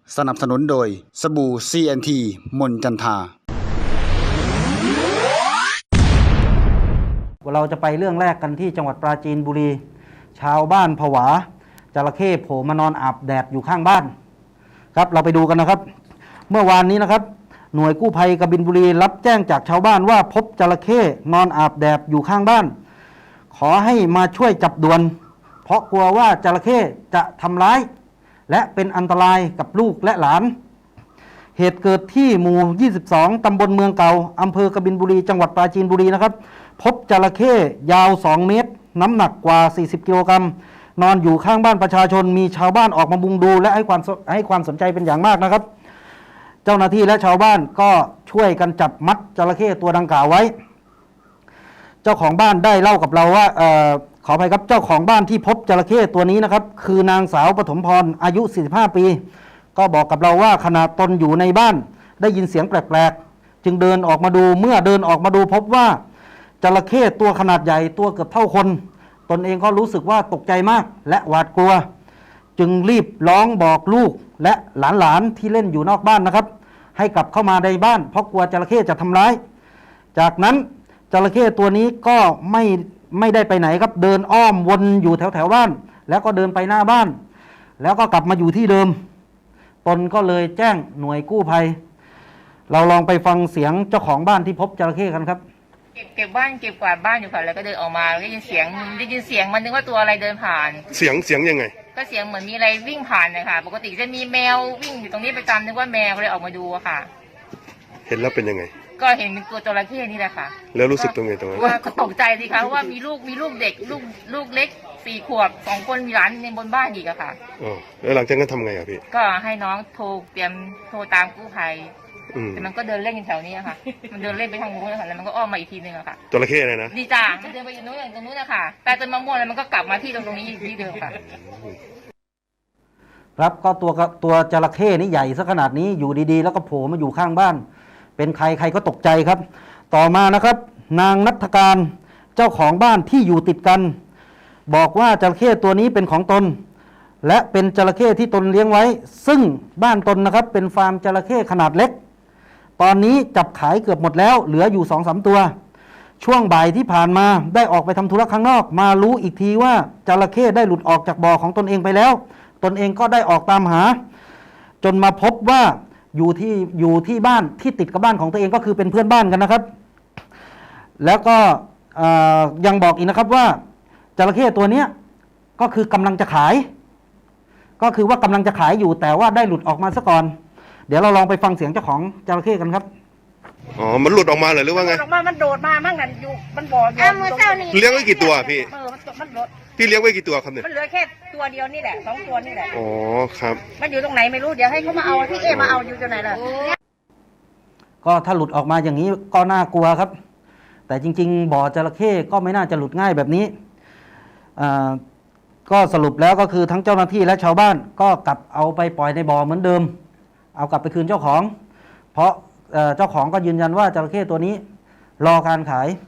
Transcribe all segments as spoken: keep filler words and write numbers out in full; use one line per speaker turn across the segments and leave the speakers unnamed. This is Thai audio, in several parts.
สนับสนุนโดยสบู่ ซี เอ็น ที มนจันทา
เราจะไปเรื่องแรกกันที่จังหวัดปราจีนบุรีชาวบ้านผวาจระเข้โผล่มานอนอาบแดดอยู่ข้างบ้านครับเราไปดูกันนะครับเมื่อวานนี้นะครับหน่วยกู้ภัยกบินบุรีรับแจ้งจากชาวบ้านว่าพบจระเข้นอนอาบแดดอยู่ข้างบ้านขอให้มาช่วยจับด่วนเพราะกลัวว่าจระเข้จะทำร้ายและเป็นอันตรายกับลูกและหลานเหตุเกิดที่หมู่ ยี่สิบสอง ตำบลเมืองเก่าอำเภอกบินบุรีจังหวัดปราจีนบุรีนะครับพบจระเข้ยาวสองเมตรน้ำหนักกว่าสี่สิบกิโลกรัมนอนอยู่ข้างบ้านประชาชนมีชาวบ้านออกมามุงดูและให้ความให้ความสนใจเป็นอย่างมากนะครับเจ้าหน้าที่และชาวบ้านก็ช่วยกันจับมัดจระเข้ตัวดังกล่าวไว้เจ้าของบ้านได้เล่ากับเราว่าเอ่อขออภัยครับเจ้าของบ้านที่พบจระเข้ตัวนี้นะครับคือนางสาวปฐมพรอายุสี่สิบห้าปีก็บอกกับเราว่าขณะตนอยู่ในบ้านได้ยินเสียงแปลกๆจึงเดินออกมาดูเมื่อเดินออกมาดูพบว่าจระเข้ตัวขนาดใหญ่ตัวเกือบเท่าคนตนเองก็รู้สึกว่าตกใจมากและหวาดกลัวจึงรีบร้องบอกลูกและหลานๆที่เล่นอยู่นอกบ้านนะครับให้กลับเข้ามาในบ้านเพราะกลัวจระเข้จะทำร้ายจากนั้นจระเข้ตัวนี้ก็ไม่ไม่ได้ไปไหนครับเดินอ้อมวนอยู่แถวแถวบ้านแล้วก็เดินไปหน้าบ้านแล้วก็กลับมาอยู่ที่เดิมตนก็เลยแจ้งหน่วยกู้ภัยเราลองไปฟังเสียงเจ้าของบ้านที่พบจระเข้กันครับ
เก็บเก็บบ้านเก็บกวาดบ้านอยู่ค่ะแล้วก็เดินออกมาได้ยินเสียงได้ยินเสียงมันนึกว่าตัวอะไรเดินผ่าน
เสียงเสียงยังไง
ก็เสียงเหมือนมีอะไรวิ่งผ่านนะคะปกติจะมีแมววิ่งอยู่ตรงนี้ประจำนึกว่าแมวเลยออกมาดูค่ะ
เห็นแล้วเป็นยังไง
ก็เห็นเป็นตัวจระเข้นี่แหละค่ะ
แล้วรู้สึกตรงไหนตรงนั้น
ว่าก็ตกใจสิคะว่ามีลูกมีลูกเด็กลูกลูกเล็กสี่ขวบสองคนมีหลานในบนบ้านอีกอะค่ะ
อ๋อแล้วหลังจากนั้นทำไงอะพี่
ก็ให้น้องโทรเตรียมโทรตามกู้ภัยแต่มันก็เดินเล่นอยู่แถวนี้ค่ะมันเดินเล่นไปทางนู้นค่ะแล้วมันก็อ้อมมาอีกทีนึงอะค่ะ
จระเข้อะไรนะ
ดีจ้ามันเดินไปอยู่นู้นอย่างตรงนู้นนะคะแต่จนมะม่วงแล้วมันก็กลับมาที่ตรงตรงนี้ที่เดิมค่ะ
ครับก็ตัวตัวจระเข้นี่ใหญ่ซะขนาดนี้อยู่ดีๆแล้วก็โผล่มาอยู่ข้างบ้านเป็นใครใครก็ตกใจครับต่อมานะครับนางณัฐการเจ้าของบ้านที่อยู่ติดกันบอกว่าจระเข้ตัวนี้เป็นของตนและเป็นจระเข้ที่ตนเลี้ยงไว้ซึ่งบ้านตนนะครับเป็นฟาร์มจระเข้ขนาดเล็กตอนนี้จับขายเกือบหมดแล้วเหลืออยู่ สองสาม ตัวช่วงบ่ายที่ผ่านมาได้ออกไปทำธุระข้างนอกมารู้อีกทีว่าจระเข้ได้หลุดออกจากบ่อของตนเองไปแล้วตนเองก็ได้ออกตามหาจนมาพบว่าอยู่ที่อยู่ที่บ้านที่ติดกับบ้านของตัวเองก็คือเป็นเพื่อนบ้านกันนะครับแล้วก็ยังบอกอีกนะครับว่าจระเข้ตัวนี้ก็คือกำลังจะขายก็คือว่ากำลังจะขายอยู่แต่ว่าได้หลุดออกมาซะก่อนเดี๋ยวเราลองไปฟังเสียงเจ้าของจระเข้กันครับ
อ๋อมันหลุดออกมาเหรอหรือว่าไง
ออกมามันโดดมามั่งนั่นอยู่มันบ่ออยู่
เลี้ยงไว้กี่ตัวพี่
เออมันโดด
พี่เลี้ยงไว้กี่ตัวครับเนี่ย
มันเหลือแค่ตัวเดียวนี่แหละสองตัวนี่แหละ
อ๋อครับ
มันอยู่ตรงไหนไม่รู้เดี๋ยวให้เขามาเอาพี่เอมาเอาอยู่ตรงไหนล่ะ
ก็ถ้าหลุดออกมาอย่างนี้ก็น่ากลัวครับแต่จริงๆบ่อจระเข้ก็ไม่น่าจะหลุดง่ายแบบนี้ก็สรุปแล้วก็คือทั้งเจ้าหน้าที่และชาวบ้านก็กลับเอาไปปล่อยในบ่อเหมือนเดิมเอากลับไปคืนเจ้าของเพราะเจ้าของก็ยืนยันว่าจระเข้ตัวนี้รอการขาย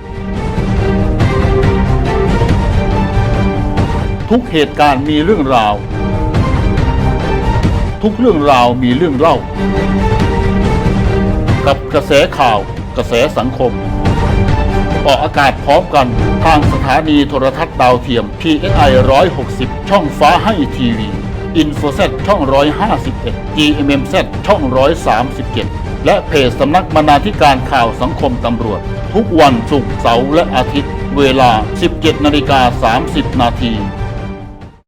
ทุกเหตุการณ์มีเรื่องราวทุกเรื่องราวมีเรื่องเล่ากับกระแสข่าวกระแสสังคมออกอากาศพร้อมกันทางสถานีโทรทัศน์ดาวเทียม พี เอส ไอ หนึ่งร้อยหกสิบ ช่องฟ้าให้ทีวี อินโฟเซต ช่องหนึ่งร้อยห้าสิบเอ็ด จี เอ็ม เอ็ม ซี ช่องหนึ่งร้อยสามสิบเจ็ดและเพจสำนักบรรณาธิการข่าวสังคมตำรวจทุกวันศุกร์เสาร์และอาทิตย์เวลา สิบเจ็ดนาฬิกาสามสิบนาที